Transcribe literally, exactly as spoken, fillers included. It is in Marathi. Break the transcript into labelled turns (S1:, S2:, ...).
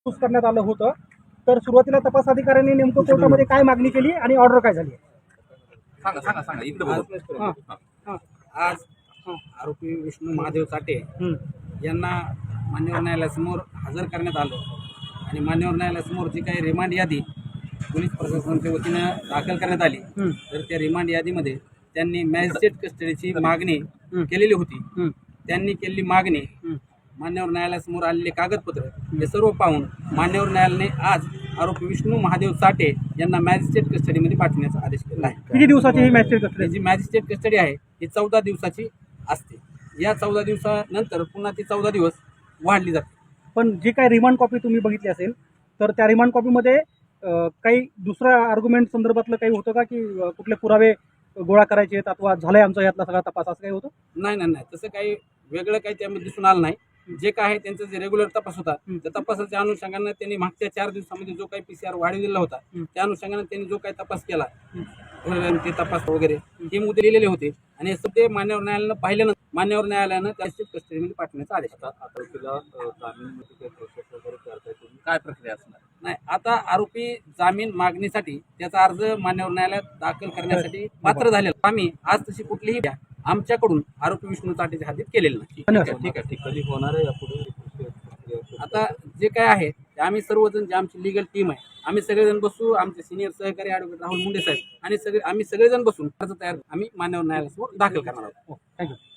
S1: महसूस करण्यात आलं होतं. तर सुरुवातीला तपास अधिकाऱ्यांनी नेमकं कोर्टामध्ये काय मागणी केली आणि ऑर्डर काय झाली?
S2: सांगा सांगा सांगा इकडे बघू.
S1: हां हां
S3: आज आरोपी विष्णू महादेव चाटे
S1: हं,
S3: यांना मान्यवर न्यायालयासमोर हजर करण्यात आलं आणि मान्यवर न्यायालयासमोर जी काही रिमांड यादी पोलीस प्रशासनाच्या वतीनं दाखल करण्यात आली,
S1: हं,
S3: तर त्या रिमांड यादीमध्ये त्यांनी मॅजिस्ट्रेट कस्टडीची मागणी
S1: हं.
S3: केलेली होती.
S1: हं,
S3: त्यांनी केलेली मागणी,
S1: हं.
S3: मान्यवर न्यायालयासमोर आलेले कागदपत्र हे सर्व पाहून मान्यवर न्यायालयाने आज आरोपी विष्णू महादेव चाटे यांना मॅजिस्ट्रेट कस्टडीमध्ये पाठवण्याचा आदेश केला आहे.
S1: किती दिवसाची ही मॅजिस्ट्रेट कस्टडी?
S3: जी मॅजिस्ट्रेट कस्टडी आहे ही चौदा दिवसाची असते. या चौदा दिवसानंतर पुन्हा ती चौदा दिवस वाढली जाते.
S1: पण जी काही रिमांड कॉपी तुम्ही बघितली असेल तर त्या रिमांड कॉपीमध्ये अं, काही दुसऱ्या आर्ग्युमेंट संदर्भातलं काही होतं का, की अं, कुठले पुरावे गोळा करायचे आहेत अथवा झालाय आमचा यातला सगळा तपास, असं काही होतं?
S3: नाही नाही नाही तसं काही वेगळं काही त्यामध्ये दिसून आलं नाही. जे काय आहे त्यांचा जे रेग्युलर तपास होता
S1: हं.
S3: त्या तपासाच्या अनुषंगाने त्यांनी मागच्या चार दिवसामध्ये जो काही पीसीआर वाढविलेला होता
S1: हं.
S3: त्या अनुषंगाने त्यांनी जो काही तपास केला,
S1: हं.
S3: ते तपास वगैरे हे मुद्दे लिहिलेले होते आणि हे ते मान्यवर न्यायालयानं पाहिल्यानंतर मान्यवर न्यायालयानं त्या कस्टडीमध्ये पाठवण्याचा आदेश दिला.
S2: आरोपीला जामीनमध्ये काही प्रोसेस वगैरे करताय तुम्ही, काय प्रक्रिया असणार?
S3: नाही, आता आरोपी जामीन मागणीसाठी त्याचा अर्ज मान्यवर न्यायालयात दाखल करण्यासाठी पात्र झालेला. आम्ही आज तशी कुठलीही द्या आमच्याकडून आरोपी विष्णू चाटेच्या हातीत केलेलं नाही.
S1: धन्यवाद.
S2: ठीक आहे, ठीक कधी होणार आहे यापुढे?
S3: आता जे काय आहे ते आम्ही सर्वजण, जे आमची लिगल टीम आहे, आम्ही सगळेजण बसू, आमचे सिनियर सहकारी ॲडव्होकेट राहुल मुंडे साहेब आणि सगळे आम्ही सगळेजण बसून अर्ज तयार आम्ही मान्यवर न्यायालयासमोर दाखल करणार आहोत.
S1: थँक्यू.